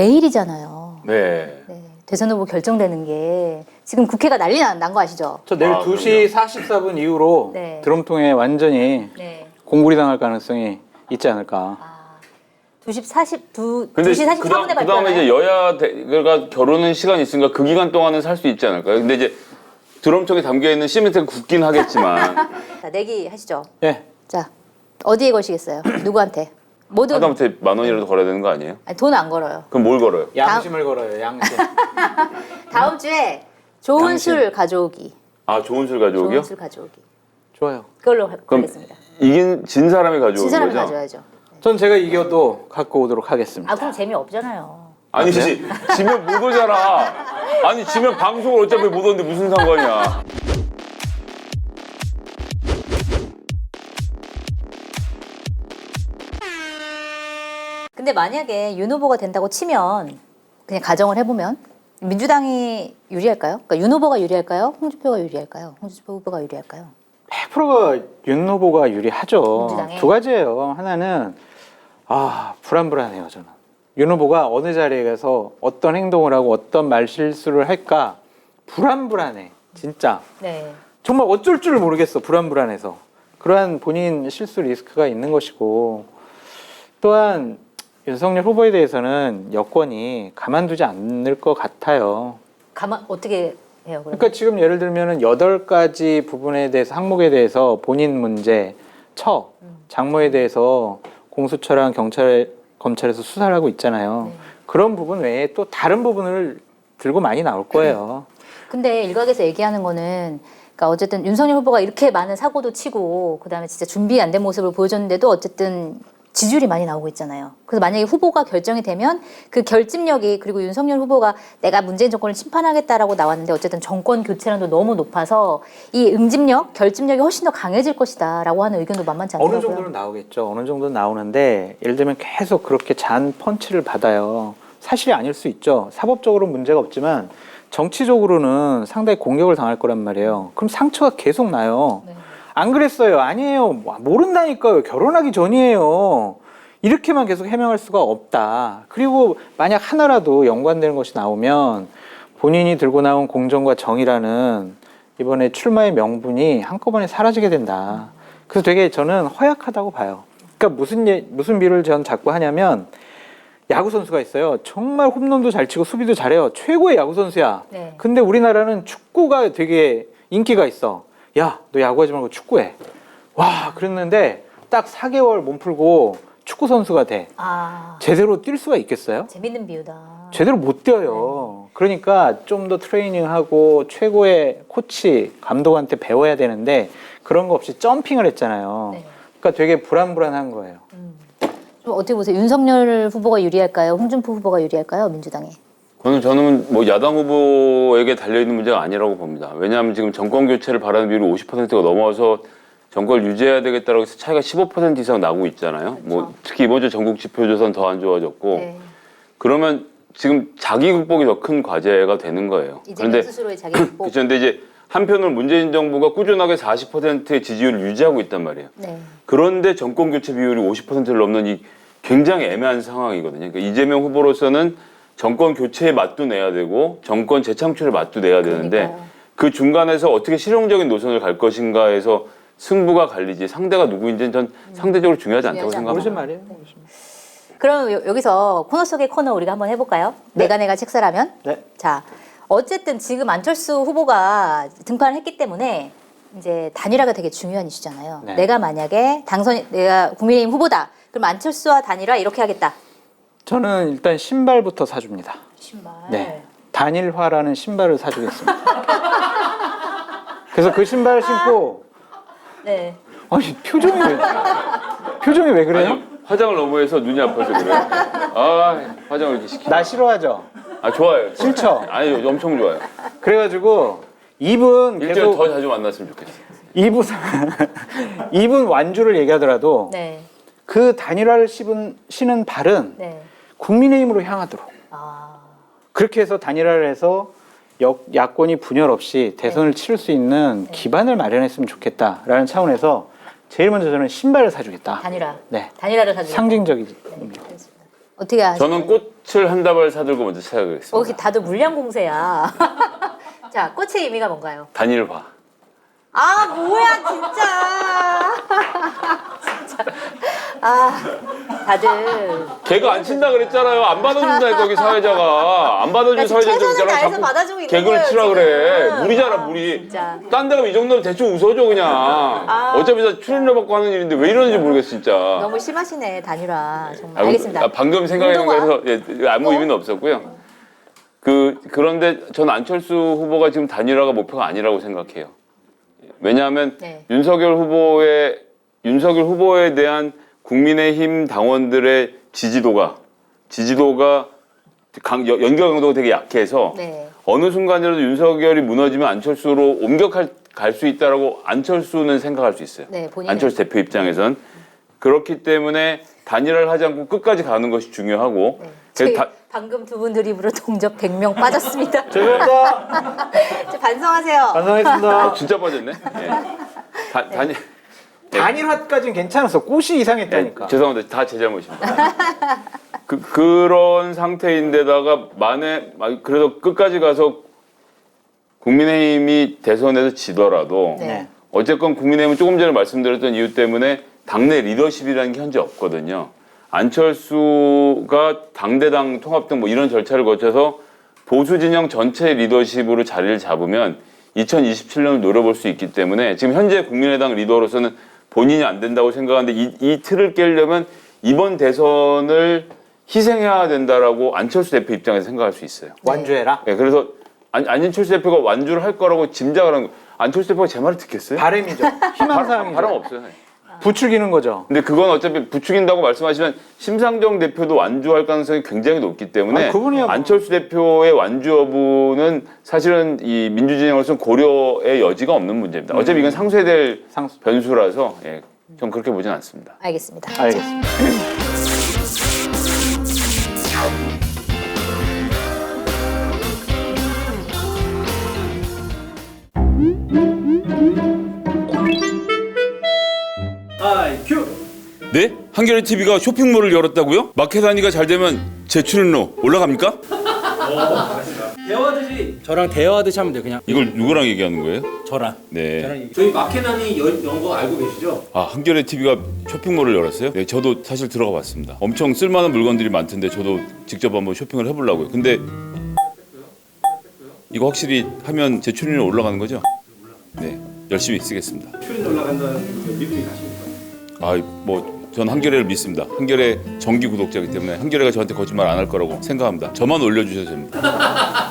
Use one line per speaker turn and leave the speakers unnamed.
내일이잖아요.
네.
네. 대선 후보 결정되는 게 지금 국회가 난리 난 거 아시죠?
저 내일 2시 44분 이후로
네.
드럼통에 완전히
네.
공구리 당할 가능성이 있지 않을까.
2시 44분에
근데
발표하나요?
그 다음에 이제 여야가 결혼은 시간이 있으니까 그 기간 동안은 살 수 있지 않을까요? 근데 이제 드럼통에 담겨있는 시멘트가 굳긴 하겠지만.
자, 내기 하시죠.
예.
자, 어디에 거시겠어요? 누구한테? 모든
하다못해 10,000원이라도 걸어야 되는 거 아니에요?
돈 안 걸어요.
그럼 뭘 걸어요?
양심을 걸어요, 양심.
다음 주에 좋은
양심.
술 가져오기.
아, 좋은 술 가져오기요?
좋은 술 가져오기.
좋아요.
그걸로
그럼
하겠습니다.
진 사람이 가져오는
진 사람이
거죠?
가져야죠.
전 제가 이겨도 갖고 오도록 하겠습니다.
아, 그럼 재미없잖아요.
아니, 지면 못 오잖아. 아니, 지면 방송을 어차피 못 오는데 무슨 상관이야.
근데 만약에 윤 후보가 된다고 치면 그냥 가정을 해보면 민주당이 유리할까요? 그러니까 윤 후보가 유리할까요? 홍준표가 유리할까요? 홍준표 후보가 유리할까요?
100%가 윤 후보가 유리하죠.
민주당에?
두 가지예요. 하나는 불안불안해요, 저는. 윤 후보가 어느 자리에 가서 어떤 행동을 하고 어떤 말실수를 할까 불안불안해. 진짜.
네.
정말 어쩔 줄 모르겠어. 불안불안해서. 그러한 본인 실수 리스크가 있는 것이고, 또한 윤석열 후보에 대해서는 여권이 가만두지 않을 것 같아요.
어떻게 해요? 그러면?
그러니까 지금 예를 들면은 8가지 부분에 대해서 항목에 대해서 본인 문제, 장모에 대해서 공수처랑 검찰에서 수사를 하고 있잖아요.
네.
그런 부분 외에 또 다른 부분을 들고 많이 나올 거예요.
근데 일각에서 얘기하는 거는 그러니까 어쨌든 윤석열 후보가 이렇게 많은 사고도 치고 그다음에 진짜 준비 안 된 모습을 보여줬는데도 어쨌든 지지율이 많이 나오고 있잖아요. 그래서 만약에 후보가 결정이 되면 그 결집력이 그리고 윤석열 후보가 내가 문재인 정권을 심판하겠다라고 나왔는데 어쨌든 정권 교체량도 너무 높아서 이 응집력, 결집력이 훨씬 더 강해질 것이다라고 하는 의견도 만만치 않더라고요.
어느 정도는 나오겠죠. 어느 정도는 나오는데 예를 들면 계속 그렇게 잔 펀치를 받아요. 사실이 아닐 수 있죠. 사법적으로 문제가 없지만 정치적으로는 상당히 공격을 당할 거란 말이에요. 그럼 상처가 계속 나요.
네.
안 그랬어요. 아니에요. 모른다니까요. 결혼하기 전이에요. 이렇게만 계속 해명할 수가 없다. 그리고 만약 하나라도 연관되는 것이 나오면 본인이 들고 나온 공정과 정의라는 이번에 출마의 명분이 한꺼번에 사라지게 된다. 그래서 되게 저는 허약하다고 봐요. 그러니까 무슨 비를 전 자꾸 하냐면 야구 선수가 있어요. 정말 홈런도 잘 치고 수비도 잘해요. 최고의 야구 선수야.
네.
근데 우리나라는 축구가 되게 인기가 있어. 야, 너 야구하지 말고 축구해. 와, 그랬는데 딱 4개월 몸 풀고 축구 선수가 돼. 제대로 뛸 수가 있겠어요?
재밌는 비유다.
제대로 못 뛰어요. 그러니까 좀 더 트레이닝하고 최고의 코치, 감독한테 배워야 되는데 그런 거 없이 점핑을 했잖아요.
네.
그러니까 되게 불안불안한 거예요.
좀 어떻게 보세요? 윤석열 후보가 유리할까요? 홍준표 후보가 유리할까요? 민주당에?
저는 뭐 야당 후보에게 달려있는 문제가 아니라고 봅니다. 왜냐하면 지금 정권 교체를 바라는 비율이 50%가 넘어서 정권을 유지해야 되겠다라고 해서 차이가 15% 이상 나고 있잖아요.
그렇죠.
뭐 특히 이번 주 전국 지표조사는 더 안 좋아졌고
네.
그러면 지금 자기 극복이 더 큰 과제가 되는 거예요.
이재명 스스로의 자기 극복.
그렇죠. 근데 이제 한편으로 문재인 정부가 꾸준하게 40%의 지지율을 유지하고 있단 말이에요.
네.
그런데 정권 교체 비율이 50%를 넘는 이 굉장히 애매한 상황이거든요. 그러니까 이재명 후보로서는 정권 교체에 맛도 내야 되고 정권 재창출에 맛도 내야 되는데
그러니까요.
그 중간에서 어떻게 실용적인 노선을 갈 것인가에서 승부가 갈리지 상대가 누구인지는 전 상대적으로 중요하지 않다고
중요하지
생각합니다.
모르신 말이에요.
그럼 여기서 코너 속의 코너 우리가 한번 해볼까요?
네.
내가 책사라면?
네.
자, 어쨌든 지금 안철수 후보가 등판을 했기 때문에 이제 단일화가 되게 중요한 이슈잖아요.
네.
내가 만약에 내가 국민의힘 후보다. 그럼 안철수와 단일화 이렇게 하겠다.
저는 일단 신발부터 사줍니다.
신발.
네. 단일화라는 신발을 사주겠습니다. 그래서 그 신발을 신고
네.
아니 표정이 왜 그래요?
아니, 화장을 너무 해서 눈이 아파서 그래요. 화장을 이렇게 시키고.
나 싫어하죠?
좋아요.
싫죠?
아니, 엄청 좋아요.
그래가지고 이분
일주일에
계속
더 자주 만났으면 좋겠어요.
이분 완주를 얘기하더라도
네.
그 단일화를 신은 발은
네.
국민의힘으로 향하도록 그렇게 해서 단일화를 해서 야권이 분열 없이 대선을 치를 수 있는 기반을 마련했으면 좋겠다라는 차원에서 제일 먼저 저는 신발을 사주겠다.
단일화.
네.
단일화를 사주겠다.
상징적이지.
어떻게 하세요?
저는 꽃 꽃을 한 다발 사들고 먼저 찾아가겠습니다.
이렇게 다들 물량 공세야. 자, 꽃의 의미가 뭔가요?
단일화.
아, 뭐야, 진짜. 진짜. 아, 다들.
걔가 안 친다 그랬잖아요. 안 받아준다니까 거기 사회자가. 안 받아준 사회자 좀
최선을
있잖아.
다해서
자꾸
받아주고 있는
개그를
거예요,
치라
지금.
그래. 무리잖아
아,
무리.
진짜.
딴 데 가면 이 정도면 대충 웃어줘 그냥. 어차피 다 출연료 받고 하는 일인데 왜 이러는지 모르겠어 진짜.
너무 심하시네, 단일화. 정말.
아,
알겠습니다.
방금 생각해낸
운동화?
거라서 예, 아무 의미는 없었고요. 그런데 전 안철수 후보가 지금 단일화가 목표가 아니라고 생각해요. 왜냐하면
네.
윤석열 후보에 대한 국민의힘 당원들의 지지도가 연결 강도가 되게 약해서
네.
어느 순간이라도 윤석열이 무너지면 안철수로 갈 수 있다라고 안철수는 생각할 수 있어요.
네, 본인은.
안철수 대표 입장에선 그렇기 때문에 단일화를 하지 않고 끝까지 가는 것이 중요하고
네.
그래서
저희 방금 두 분 드립으로 동접 100명 빠졌습니다.
죄송합니다.
이제 반성하세요.
반성했습니다.
진짜 빠졌네. 예.
단일화까지는 괜찮았어. 꽃이 이상했다니까.
죄송합니다. 다 제 잘못입니다. 그런 상태인데다가 그래도 끝까지 가서 국민의힘이 대선에서 지더라도
네.
어쨌건 국민의힘은 조금 전에 말씀드렸던 이유 때문에 당내 리더십이라는 게 현재 없거든요. 안철수가 당대당 통합 등 뭐 이런 절차를 거쳐서 보수 진영 전체 리더십으로 자리를 잡으면 2027년을 노려볼 수 있기 때문에 지금 현재 국민의당 리더로서는 본인이 안 된다고 생각하는데 이 틀을 깨려면 이번 대선을 희생해야 된다라고 안철수 대표 입장에서 생각할 수 있어요.
완주해라.
네, 그래서 안철수 대표가 완주를 할 거라고 짐작을 하는 거. 안철수 대표가 제 말을 듣겠어요?
바람이죠. 희망사항이죠.
바람 없어요.
부추기는 거죠.
근데 그건 어차피 부추긴다고 말씀하시면 심상정 대표도 완주할 가능성이 굉장히 높기 때문에
아니, 그분이야 뭐.
안철수 대표의 완주 여부는 사실은 이 민주진영으로서는 고려의 여지가 없는 문제입니다. 어차피 이건 상쇄될 변수라서 예, 전 그렇게 보진 않습니다.
알겠습니다.
알겠습니다.
네? 한겨레 TV가 쇼핑몰을 열었다고요? 마켓 단위가 잘 되면 제 출연료 올라갑니까?
대화하듯이 저랑 대화하듯이 하면 돼요. 그냥
이걸 누구랑 얘기하는 거예요?
저랑.
네.
저희 마케단이 연거 알고 계시죠?
아, 한겨레 TV가 쇼핑몰을 열었어요? 네, 저도 사실 들어가 봤습니다. 엄청 쓸만한 물건들이 많던데 저도 직접 한번 쇼핑을 해보려고요. 근데 이거 확실히 하면 제 출연료 올라가는 거죠? 네, 열심히 쓰겠습니다.
출연 올라간다는 믿음이 가십니까?
아, 뭐 전 한겨레를 믿습니다. 한겨레 정기 구독자이기 때문에 한겨레가 저한테 거짓말 안 할 거라고 생각합니다. 저만 올려주셔도 됩니다.